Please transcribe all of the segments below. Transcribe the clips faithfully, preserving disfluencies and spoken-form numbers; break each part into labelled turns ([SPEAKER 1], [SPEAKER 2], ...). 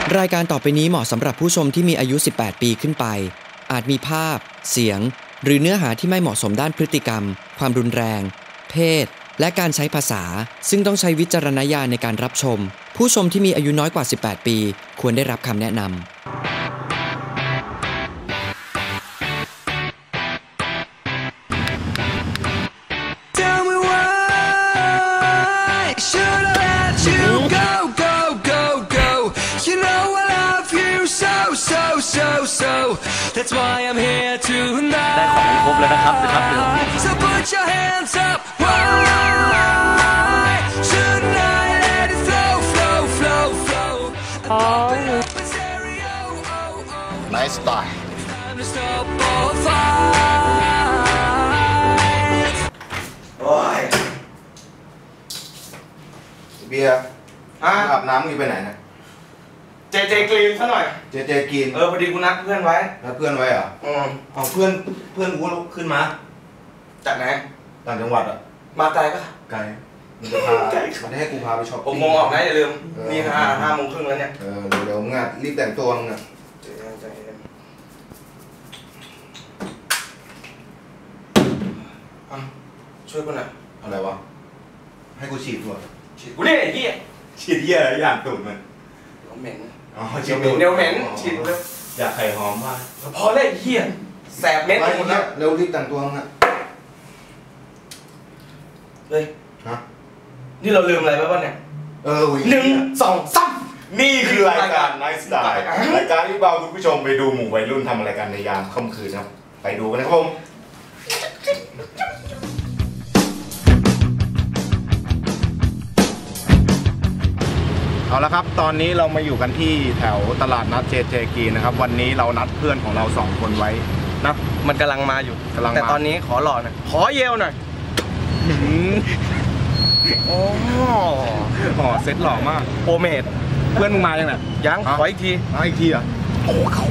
[SPEAKER 1] รายการต่อไปนี้เหมาะสำหรับผู้ชมที่มีอายุสิบแปดปีขึ้นไปอาจมีภาพเสียงหรือเนื้อหาที่ไม่เหมาะสมด้านพฤติกรรมความรุนแรงเพศและการใช้ภาษาซึ่งต้องใช้วิจารณญาณในการรับชมผู้ชมที่มีอายุน้อยกว่าสิบแปดปีควรได้รับคำแนะนำ
[SPEAKER 2] That's why I'm here tonight ได้ของครบแล้วนะครับนะครับเดี๋ยว So put your hands up Why shouldn't I let it flow flow flow flow อ๋อ
[SPEAKER 3] Nice style โอ้ยเบียร์อาบน้ำมึงไปไหนนะ
[SPEAKER 4] เจเจกรีนซะหน่อย
[SPEAKER 3] เจเจกรีน
[SPEAKER 4] เออพอดีกูนัดเพื่อนไว้
[SPEAKER 3] นัดเพื่อนไว้เหรอ
[SPEAKER 4] อืม
[SPEAKER 3] อ๋อเพื่อนเพื่อนกูขึ้นมา
[SPEAKER 4] จากไหน
[SPEAKER 3] ต่างจังหวัดอ่ะ
[SPEAKER 4] มาไกลปะ
[SPEAKER 3] ไกลมันจะพามันให้กูพาไปช็อปปิ้ง
[SPEAKER 4] หกโมงออกนะอย่าลืมนี่ห้าห้าโมงครึ่งแล้วเนี่ย
[SPEAKER 3] เออเดี๋ยวมึงอ่ะรีบแต่งตัวมึงอ่ะ
[SPEAKER 4] ช่วยกูหน่อย
[SPEAKER 3] อะไรวะให้กูฉีดตัว
[SPEAKER 4] ฉีดกูเนี่ยไอ้เหี้ย
[SPEAKER 3] ฉีดเหี้ยอะไรอย่างตูดมัน
[SPEAKER 4] เหม็น
[SPEAKER 3] อ๋อ
[SPEAKER 4] ฉีดเหม็นเดี๋ยวเหม็นฉีดเลย
[SPEAKER 3] อยากไข่หอมมาก
[SPEAKER 4] พอเลยไอ้เหี้ยแสบเม็ดหมดแล้ว
[SPEAKER 3] เร็วรีบแต่งตัวมึงอ่ะ
[SPEAKER 4] เฮ้ย
[SPEAKER 3] ฮะ
[SPEAKER 4] นี่เราลืมอะไรไปบ้างเนี่ย
[SPEAKER 3] เออ
[SPEAKER 4] หนึ่งสองสาม
[SPEAKER 3] นี่คือรายการ Nice Style รายการที่พาคุณผู้ชมไปดูหมู่วัยรุ่นทำอะไรกันในยามค่ำคืนครับไปดูกันนะครับผมเอาละครับตอนนี้เรามาอยู่กันที่แถวตลาดนัดเจเจกีนะครับวันนี้เรานัดเพื่อนของเราสองคนไว้นะ
[SPEAKER 4] มันกำลังมาอยู่แต่ตอนนี้ขอหล่อหน่อยขอเยลหน่อยโอ้
[SPEAKER 3] โหเซ็ตหล่อมาก
[SPEAKER 4] โอเมด
[SPEAKER 3] เพื่อนมึงมายังไง
[SPEAKER 4] ยังขออีกที
[SPEAKER 3] ขออีกทีอ่ะโอ้เขา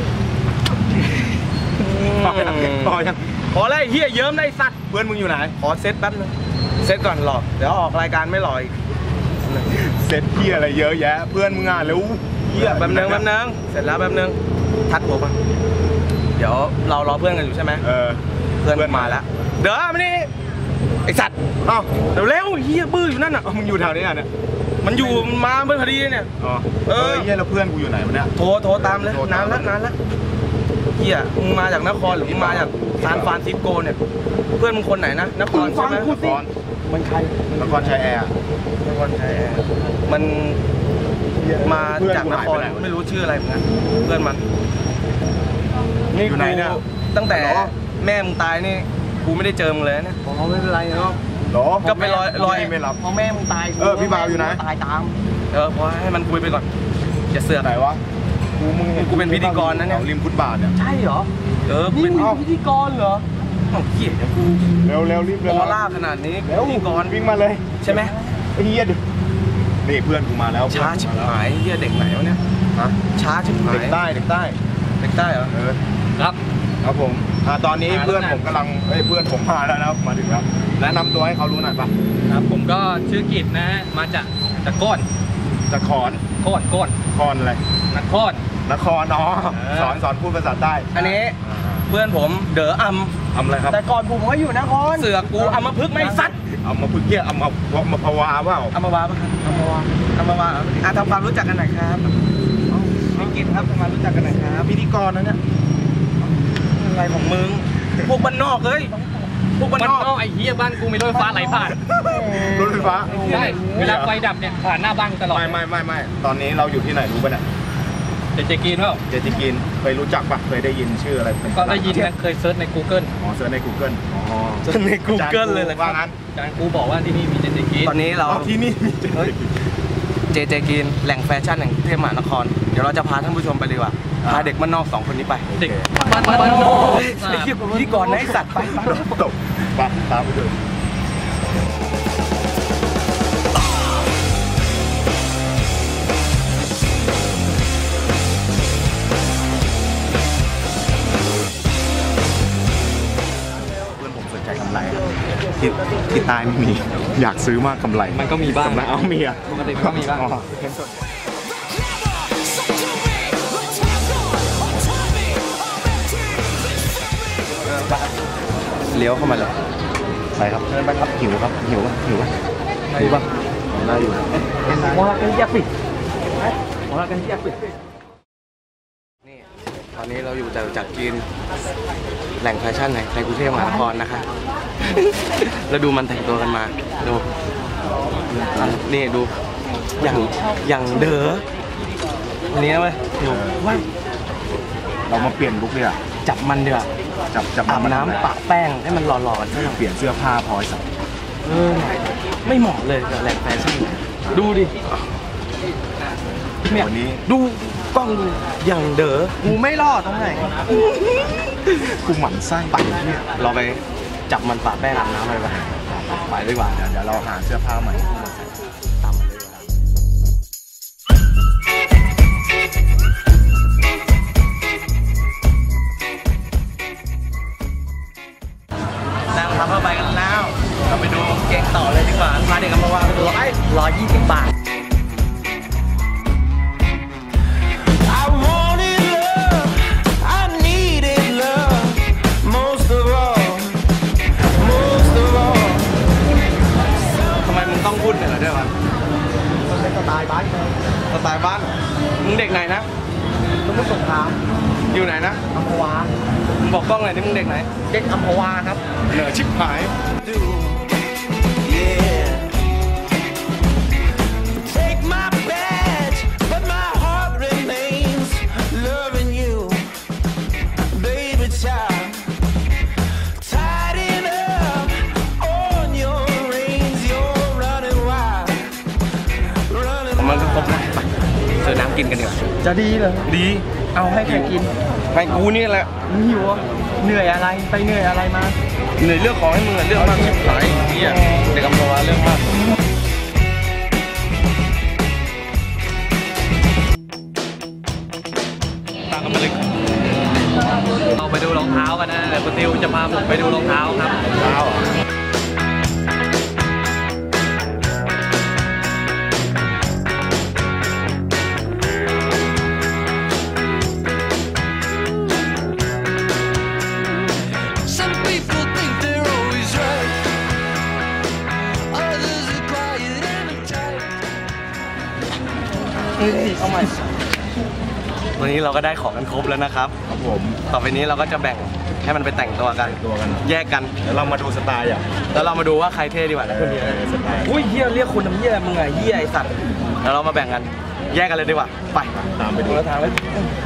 [SPEAKER 4] ขอยังขอเลยเฮียเยิ้มได้สัตว์
[SPEAKER 3] เพื่อนมึงอยู่ไหน
[SPEAKER 4] ขอเซตแป๊บนึงเซตก่อนหล่อเดี๋ยวออกรายการไม่หล่ออีก
[SPEAKER 3] เซ็ตเฮียอะไรเยอะแยะเพื่อนมึงอ่ะเร็ว
[SPEAKER 4] เฮียแป๊บนึงแป๊บนึงเสร็จแล้วแป๊บนึงทัดหัวป่ะเดี๋ยวเรารอเพื่อนกันอยู่ใช่ไหม
[SPEAKER 3] เออ
[SPEAKER 4] เพื่อนมาแล้วเดี๋ยวมานี่ไอสัตว์
[SPEAKER 3] เอ้า
[SPEAKER 4] เร็วเร็วเฮียบื้ออยู่นั่นอ่ะ
[SPEAKER 3] มึงอยู่แถวนี้อ่ะเนี่ย
[SPEAKER 4] มันอยู่มาเมื่อพอดีเนี่ย
[SPEAKER 3] อ๋อเออเฮียแล้วเพื่อนกูอยู่ไหนวะเนี่ย
[SPEAKER 4] โทรโทรตามเลยนานแล้วนานแล้วเฮียมึงมาจากนครหรือมึงมาจากซานฟรานซิสโกเนี่ยเพื่อนมึงคนไหนนะนครใช่ไหม
[SPEAKER 3] นคร
[SPEAKER 4] มันใคร
[SPEAKER 3] นครชัยแอร์
[SPEAKER 4] นครชัยแอร์มันมาจากนครไม่รู้ชื่ออะไรเหมือนกันเพื่อนมัน
[SPEAKER 3] นี่อยู่ไหนเนี่ย
[SPEAKER 4] ตั้งแต่แม่มึงตายนี่กูไม่ได้เจอมึงเลยเนี่ย
[SPEAKER 3] อ๋อไม่เป็นไรเนาะ
[SPEAKER 4] ก็ไปลอยลอย
[SPEAKER 3] ไม่รับ
[SPEAKER 4] พอแม่มึงตาย
[SPEAKER 3] เออพี่บ่าวอยู่ไหน
[SPEAKER 4] ตายตามเออพอให้มันคุยไปก่อนอย่าเสือก
[SPEAKER 3] ไหนวะ
[SPEAKER 4] กูมึงกูเป็นพิธีกรนะเนี่ย
[SPEAKER 3] ริมฟุตบาทเนี่ย
[SPEAKER 4] ใช่เหรอเออนี่มึงพิธีกรเหรอโอ้เหี้ยกู
[SPEAKER 3] เร็วเร็วรีบเลย
[SPEAKER 4] ออร่าขนาดนี้พิธีกร
[SPEAKER 3] วิ่งมาเลย
[SPEAKER 4] ใช่ไหม
[SPEAKER 3] เฮียดูนี่เพื่อนกูมาแล้ว
[SPEAKER 4] ช้าชิบหายเฮียเด็กไหนวะเนี่ยฮะช้าชิบหาย
[SPEAKER 3] เด็กใต้เด็กใต้
[SPEAKER 4] เด็กใต้เหรอ
[SPEAKER 3] เออครับครับผมอ่าตอนนี้เพื่อนผมกำลังเฮ้ยเพื่อนผมมาแล้วนะครับมาถึงแล้วแนะนำตัวให้เขารู้หน่อยป่ะ
[SPEAKER 5] ครับผมก็ชื่อกิจนะมาจากจากก้น
[SPEAKER 3] จากขอน
[SPEAKER 5] ก้นก้น
[SPEAKER 3] คอนอะไร
[SPEAKER 5] นคร
[SPEAKER 3] นครอ๋อสอนสอนพูดภาษาใต้
[SPEAKER 4] อันนี้เพื่อนผมเด๋ออัม
[SPEAKER 3] อัมอะไรครับ
[SPEAKER 4] แต่ก่อนผมก็อยู่นครเสือกูอัมมาพึกไม่ซัด
[SPEAKER 3] อัมมาพึกเกี้ยอัมมามาพวาเปล่า
[SPEAKER 4] อัมมาวาป่ะอัมมาวาอัมมาวาอ่ะทำความรู้จักกันหน่อยครับพี่กิจครับทำความรู้จักกันหน่อยครับ
[SPEAKER 3] พิธีกรนะเนี่ย
[SPEAKER 4] อะไรของมึงพวกบ้านนอกเลยพวกบ้านนอก
[SPEAKER 5] ไอ้เหี้ยบ้านกูมีรถไฟฟ้าไหลผ่าน
[SPEAKER 3] รถไฟฟ้า
[SPEAKER 5] ใช่เวลาไฟดับเนี่ยผ่านหน้าบ้านตลอด
[SPEAKER 3] ไม่ไม่ไม่ไม่ตอนนี้เราอยู่ที่ไหนรู้ป่ะเนี่ย
[SPEAKER 5] เจเจกีนเปล่า
[SPEAKER 3] เจเจกีนเคยรู้จักปะเคยได้ยินชื่ออะไร
[SPEAKER 5] ก็ได้ยินนะเคยเซิร์ชใน Google
[SPEAKER 3] อ๋อเซิร์ชใน Google อ๋อ
[SPEAKER 4] เซิร์ชใน Google เลยเลย
[SPEAKER 3] ว่างั้น
[SPEAKER 5] อาจารย์กูบอกว่าที่นี่มีเจเจกีน
[SPEAKER 4] ตอนนี้เรา
[SPEAKER 3] ที่นี่มีเจ
[SPEAKER 4] เจเจกีนแหล่งแฟชั่นแห่งเทพมหานครเดี๋ยวเราจะพาท่านผู้ชมไปดีกว่าพาเด็กบ้านนอกสองคนนี้ไป
[SPEAKER 5] เด็กบ้านบ้านนอก
[SPEAKER 4] ไอ้เหี้ยพิธีกรไอ้สัตว์ไป
[SPEAKER 3] ตกไปตามไปเลยที่ที่ใต้ไม่มีอยากซื้อมากกำไร
[SPEAKER 5] มันก็มีบ้าง
[SPEAKER 3] กำไรเอาเมีย
[SPEAKER 5] ปกติก็มีบ้าง
[SPEAKER 4] เลี้ยวเข้ามาเลยไปครับเดินไปครับหิวครับหิวป่ะหิวป่ะหิวป่ะน่าอยู่มองกันยักษ์ปิดมองกันยักษ์ปิดนี่ตอนนี้เราอยู่จากจีนแหล่งแฟชั่นในในกรุงเทพมหานครนะคะแล้วดูมันแต่งตัวกันมาดูนี่ดูอย่างอย่างเด้อวันนี้นะเว้ยดูว่า
[SPEAKER 3] เรามาเปลี่ยนลุคเลยอ่ะ
[SPEAKER 4] จับมันเดือด
[SPEAKER 3] จับจับ
[SPEAKER 4] อาบน้ำปะแป้งให้มันหล่อๆกันซะหน่อย
[SPEAKER 3] เปลี่ยนเสื้อผ้าพอสัก
[SPEAKER 4] เออไม่เหมาะเลยกับแหล่งแฟชั่นดูดิเนี่ย
[SPEAKER 3] วันนี้
[SPEAKER 4] ดูกล้องดูอย่างเด้อกูไม่รอดตรงไหน
[SPEAKER 3] กูหมั่นไส้ไปเนี่ย
[SPEAKER 4] เราไปจับมันปะแป้งอาบน้ำอะไรไปไปดีกว่า
[SPEAKER 3] เดี๋ยวเราหาเสื้อผ้าใหม่
[SPEAKER 4] ตามมาเลยนั่งทำเข้าไปกันแล้วเราไปดูเก่งต่อเลยดีกว่าพาเด็กกันมาวางตัวไอ้ร้อยยี่สิบบาทต้องพูดเหนือด้วยวะมันเป็นสไตล์บ้านสไตล์บ้านมึงเด็กไหนนะสมุทรสงครามอยู่ไหนนะอัมพวามึงบอกกล้องหน่อยที่มึงเด็กไหนเด็กอัมพวาครับ
[SPEAKER 3] เหนือชิบหาย
[SPEAKER 4] เจอน้ำกินกันดีกว่า
[SPEAKER 5] จะดีเหรอ
[SPEAKER 4] ดี
[SPEAKER 5] เอาให้ใครกิน
[SPEAKER 4] ให้กูนี่แหละ
[SPEAKER 5] หิวเหนื่อยอะไรไปเหนื่อยอะไรมา
[SPEAKER 4] เหนื่อยเรื่องของให้มึงเรื่องมากชิบหายเหี้ยเด็กกำลังเรื่องมากตามกันมาเลย
[SPEAKER 5] เราไปดูรองเท้ากันนะแต่คุณติวจะพาผมไปดูรองเท้าครับ
[SPEAKER 3] เท้า
[SPEAKER 4] เอาใหม่วันนี้เราก็ได้ของกันครบแล้วนะครับ
[SPEAKER 3] ครับผม
[SPEAKER 4] ต่อไปนี้เราก็จะแบ่งให้มันไปแต่งตัวกัน
[SPEAKER 3] ตัวกัน
[SPEAKER 4] แยกกัน
[SPEAKER 3] แล้วเรามาดูสไตล์อ่ะ
[SPEAKER 4] แล้วเรามาดูว่าใครเท่ดีกว่าคนนี้สไตล์อุ้ยเฮียเรียกคนน้ำเฮียมึงไงเฮียไอสัตว์แล้วเรามาแบ่งกันแยกกันเลยดีกว่าไป
[SPEAKER 3] ตามไปดู
[SPEAKER 4] แล้วทางเลย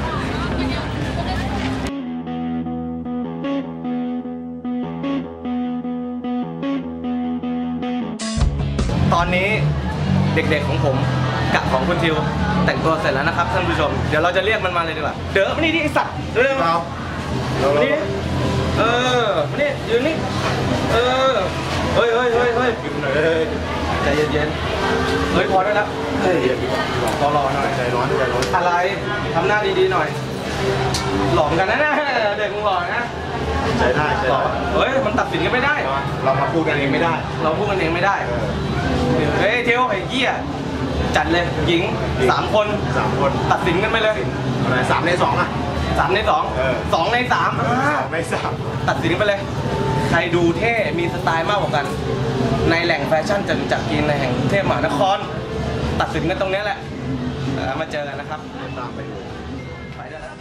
[SPEAKER 4] ตอนนี้เด็กๆของผมกับของคุณทิวแต่งตัวเสร็จแล้วนะครับท่านผู้ชมเดี๋ยวเราจะเรียกมันมาเลยดีกว่าเดี๋ยวมานี่ดิไอสัตว์เร็วเรามานี่เออมานี่ยืนนี่เออเฮ้ยเฮ้ยเฮ้ยเฮ้ยใจเย็นๆเฮ้ยพอได้แล้วเฮ้ยรอรอหน่อย
[SPEAKER 3] ใจร้อนใจร้อน
[SPEAKER 4] อะไรทำหน้าดีๆหน่อยหลอกกันนะนะเด็กมึงหลอกนะ
[SPEAKER 3] ใจได้ใจได้
[SPEAKER 4] เฮ้ยมันตัดสินกันไม่ได้
[SPEAKER 3] เรามาพูดกันเองไม่ได้
[SPEAKER 4] เราพูดกันเองไม่ได้เฮ้ยเทียวไอ้เหี้ยจัดเลยหญิงสามคน
[SPEAKER 3] สามคน
[SPEAKER 4] ตัดสินกันไปเลย
[SPEAKER 3] อะไรสามในสองอ่ะ
[SPEAKER 4] สามในสองสองในสาม
[SPEAKER 3] สองในสาม
[SPEAKER 4] ตัดสินกันไปเลยใครดูเท่มีสไตล์มากกว่ากันในแหล่งแฟชั่นจตุจักรจีนในแห่งกรุงเทพมหานครตัดสินกันตรงนี้แหละมาเจอกันนะครับ
[SPEAKER 3] ตามไปดู
[SPEAKER 4] ไปได้แล้ว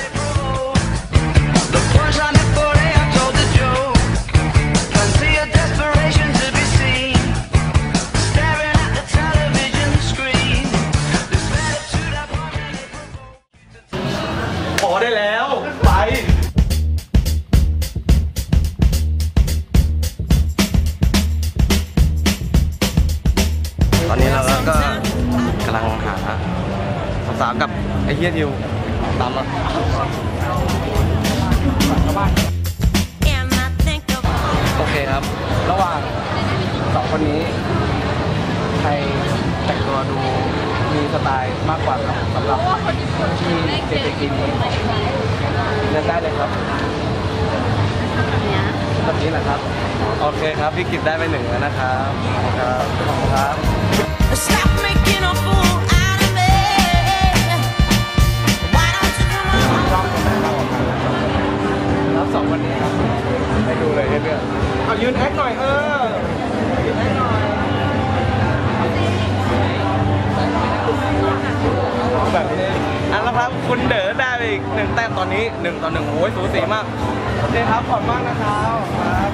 [SPEAKER 4] พอได้แล้วไปตอนนี้เราก็กำลังหาสาวกับไอ้เหี้ยทิวตามมาโอเคครับระหว่างสองคนนี้ใครแต่งตัวดูมีสไตล์มากกว่าครับสำหรับที่เจเจกินนี้เลือกได้เลยครับแบบนี้แหละครับโอเคครับพี่กิตได้ไปหนึ่งแล้วนะครับครับขอบคุณครับแล้วสองวันนี้ครับอีกหนึ่งแต้มตอนนี้หนึ่งต่อหนึ่งโอ้ยสูสีมากโอเคครับขอบคุณมากนะครับครับ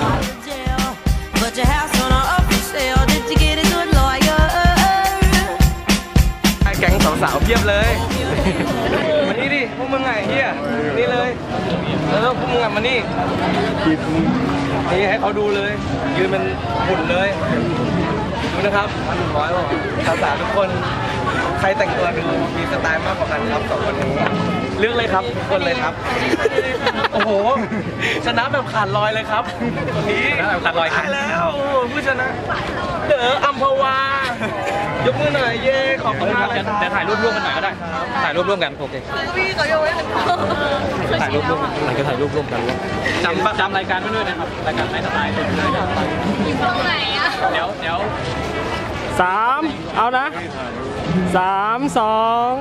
[SPEAKER 4] แก๊งสาวๆเพียบเลยมานี่ดิพวกมึงไงเฮียนี่เลยแล้วพวกมึงอ่ะมานี่นี่ให้เขาดูเลยยืนเป็นหุ่นเลยดูนะครับพันหนึ่งร้อยบอกสาวๆทุกคนใครแต่งตัวดูมีสไตล์มากกว่ากันครับสองคนนี้เลือกเลยครับทุกคนเลยครับโอ้โหชนะแบบขาดลอยเลยครับนี่ขาดลอยใช่แล้วผู้ชนะเด๋ออัมพวายกมือหน่อยเย่ขอบคุณมากเลยครับเดี๋ยวถ่ายรูปร่วมกันหน่อยก็ได้ถ่ายรูปร่วมกันโอเคพี่ก็โยนให้กันถ่ายรูปร่วมกันไหนก็ถ่ายรูปร่วมกันจำจำรายการไว้ด้วยนะครับรายการไลฟ์สไตล์อยู่ตรงไหนอ่ะเดี๋ยวเดี๋ยวสามเอานะสามสอง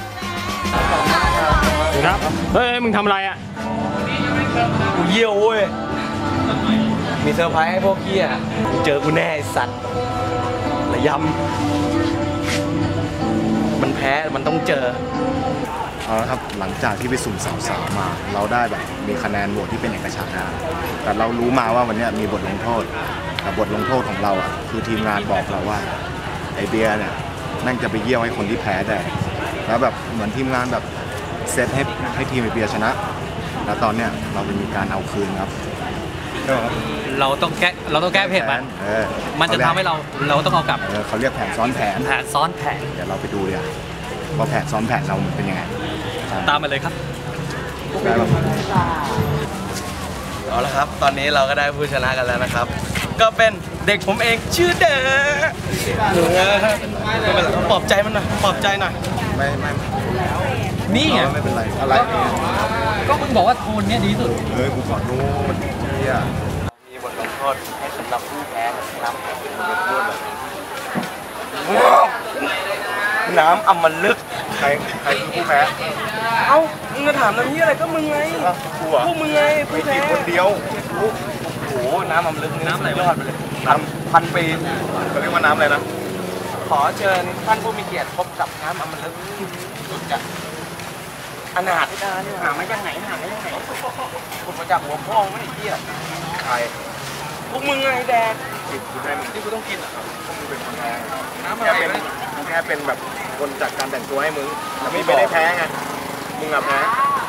[SPEAKER 4] ครับเฮ้ยมึงทำอะไรอ่ะกูเยี่ยวเว้ยมีเซอร์ไพรส์ให้พวกพี่อ่ะเจอกูแน่ไอ้สัตว์ระยำมันแพ้มันต้องเจอ
[SPEAKER 3] เอาละครับหลังจากที่ไปสุ่มสาวๆมาเราได้แบบมีคะแนนโหวตที่เป็นเอกฉันท์นะแต่เรารู้มาว่าวันนี้มีบทลงโทษแต่บทลงโทษของเราอ่ะคือทีมงานบอกเราว่าไอเบียร์เนี่ยนั่งจะไปเยี่ยวให้คนที่แพ้ได้แล้วแบบเหมือนทีมงานแบบเซตให้ให้ทีมไอเบียร์ชนะแล้วตอนเนี้ยเราจะมีการเอาคืนครับ
[SPEAKER 5] เราต้องแก้เราต้องแก้เพจมันมันจะทำให้เราเราต้องเอากลับ
[SPEAKER 3] เขาเรียกแผนซ้อนแผน
[SPEAKER 5] แผนซ้อนแผน
[SPEAKER 3] เดี๋ยวเราไปดูเลยว่าแผนซ้อนแผนเราเป็นยังไง
[SPEAKER 5] ตามมาเลยครับ
[SPEAKER 4] เอาละครับตอนนี้เราก็ได้ผู้ชนะกันแล้วนะครับก็เป็นเด็กผมเองชื่อเด๋อไม่เป็นไรปลอบใจมันหน่อยปลอบใจหน่อย
[SPEAKER 3] ไม่ไม่
[SPEAKER 5] นี่ไง
[SPEAKER 3] ไม่เป็นไรอะไร
[SPEAKER 5] ก็มึงบอกว่าโทนเนี้ยดีสุด
[SPEAKER 3] เฮ้ยกูขอโทษเนี่ย
[SPEAKER 4] มีบทลงโทษให้สำหรับผู้แพ้นะครับน้ำอมฤต
[SPEAKER 3] ใครใครคือผู้แพ้
[SPEAKER 4] เอ้ามึงจะถามน้ำนี้อะไรก็มึงไงพวกมึงไงผู้แพ้
[SPEAKER 3] คนเดียว
[SPEAKER 4] โอ้โหน้ำอมฤตน้ำอะไรยอดไปเลยน้ำพันปี
[SPEAKER 3] เขาเรียกว่าน้ำอะไรนะ
[SPEAKER 4] ขอเชิญท่านผู้มีเกียรติพบกับน้ำอมฤตสุดจะอนาถหาไม่ยังไงหาไม่ยังไงคุณมาจากหัวพ่อไม่ได้เที่ยว
[SPEAKER 3] ใคร
[SPEAKER 4] พวกมึงไงแดก
[SPEAKER 3] กูได้
[SPEAKER 4] ที่กูต้องกินอ่ะ
[SPEAKER 3] พวกมึงเป็นคนแพ้น้ำอะไรแค่เป็นแบบคนจัดการแต่งตัวให้มึงแต่ไม่ได้แพ้ไงมึงอะแพ้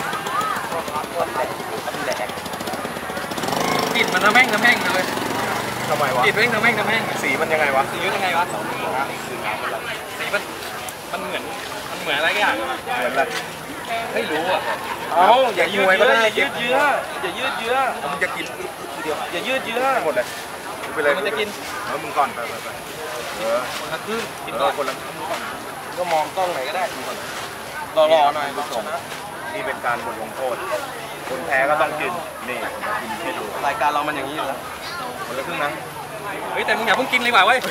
[SPEAKER 5] กลิ่นมันทำแม่งทำแม่งเลย
[SPEAKER 3] ทำไมวะ
[SPEAKER 5] กลิ่นแม่งทำแม่งทำแม่ง
[SPEAKER 3] สีมันยังไงวะ
[SPEAKER 5] สียังไงวะสีมันมันเหมือนมันเหมือนอะไรกันอย่าง
[SPEAKER 3] เหมือนอะไร
[SPEAKER 5] ไม่รู้อ่ะ
[SPEAKER 4] เอาอย่ายืดเยื้ออย่ายืดเยื้ออย่ายืดเยื้อ
[SPEAKER 3] มึงจะกินทีเดียว
[SPEAKER 4] อย่ายืดเยื้อ
[SPEAKER 3] หมดเลยไปเลย
[SPEAKER 5] มันจะกิน
[SPEAKER 3] แล้วมึงก่อนไปไปไปเออ
[SPEAKER 5] คนละครึ่ง
[SPEAKER 3] กินก่อนคนละ
[SPEAKER 4] ก็มองกล้องไหนก็ได้รอรอหน่อยชนะ
[SPEAKER 3] นี่เป็นการบทลงโทษคนแพ้ก็ต้องกินนี่กินให้ดู
[SPEAKER 4] รายการเรามันอย่างนี้อยู่แล้ว
[SPEAKER 3] คนละครึ่งนะ
[SPEAKER 5] เฮ้ยแต่มึงอย่าเพิ่งกินเลยว่ะเว้ย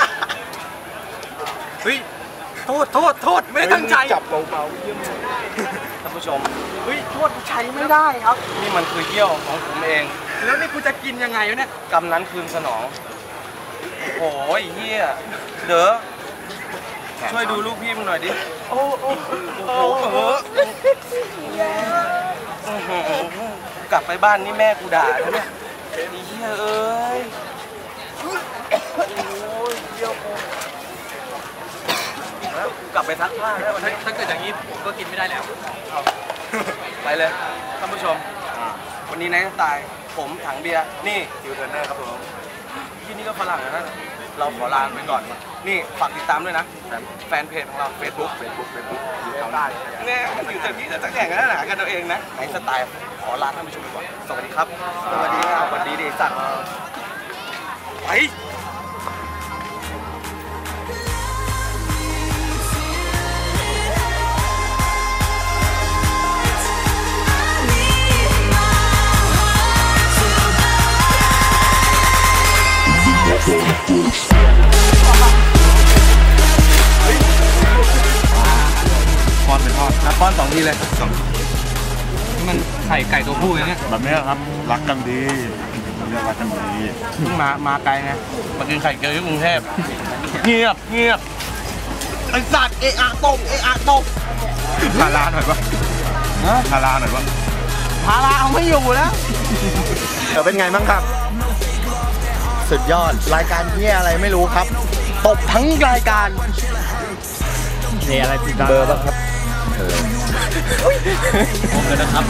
[SPEAKER 5] เฮ้ยโทษโทษโทษไม่ได้ตั้งใจ
[SPEAKER 3] จับเบาๆเยี่ยม
[SPEAKER 4] ท่านผู้ชมเฮ้ยโทษใช้ไม่ได้ครับนี่มันคือเยี่ยวของผมเอง
[SPEAKER 5] แล้วนี่กูจะกินยังไงวะเนี่ย
[SPEAKER 4] กำนั้นคืนสนองโอ้ยเฮียเด้อช่วยดูลูกพี่มึงหน่อยดิโอ้โหกลับไปบ้านนี่แม่กูด่าแล้วเนี่ยเฮียเอ้ยโอ้ยเยี่ยวแล้วกลับไปซักผ้าแล้ววันนี้
[SPEAKER 5] ถ้าเกิดอย่างนี้ผมก็กินไม่ได้แล้ว
[SPEAKER 4] ไปเลยท่านผู้ชมวันนี้นายตายผมถังเบียร์นี่
[SPEAKER 3] คิวเทอร์เนอร์ครับผม
[SPEAKER 4] ที่นี่ก็ฝรั่งนะเราขอลาไปก่อนนี่ฝากติดตามด้วยนะแฟนเพจของเรา Facebook
[SPEAKER 3] Facebook Facebook
[SPEAKER 4] เอาได้เนี่ยอยู่แต่ที่จะแข่งกันหนากันตัวเองนะไอ้สไตล์ขอลาท่านผู้ชมก่อนสวัสดีครับสวัสดีครับสวัสดีเดชสัตว์ไป
[SPEAKER 3] ป้อนเป็นทอด
[SPEAKER 4] นะป้อนสองทีเลยสอง
[SPEAKER 5] มันไข่ไก่ตัวผู้อย่างเงี้ย
[SPEAKER 3] แบบนี้ครับรักกันดีเรียกรักกันดี
[SPEAKER 4] เพิ่งมามาไกลไงมากินไข่เจียวที่กรุงเทพเงียบเงียบไอสัตว์เอะอะตกเอะอะตก
[SPEAKER 3] พาร้านหน่อยปะพาราหน่อยวะ
[SPEAKER 4] พาราเอาไม่อยู่แล้ว
[SPEAKER 3] เดี๋ยวเป็นไงบ้างครับ สุดยอดรายการที่อะไรไม่รู้ครับตบทั้งรายการ
[SPEAKER 4] เทอะไรติดตาม
[SPEAKER 3] เบอร์บ้างครับ
[SPEAKER 5] ผมเลยนะครับ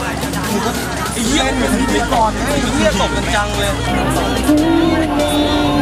[SPEAKER 5] ไอ้เหี้ยมันมีก่อนไอ้เหี้ยตกกันจังเลย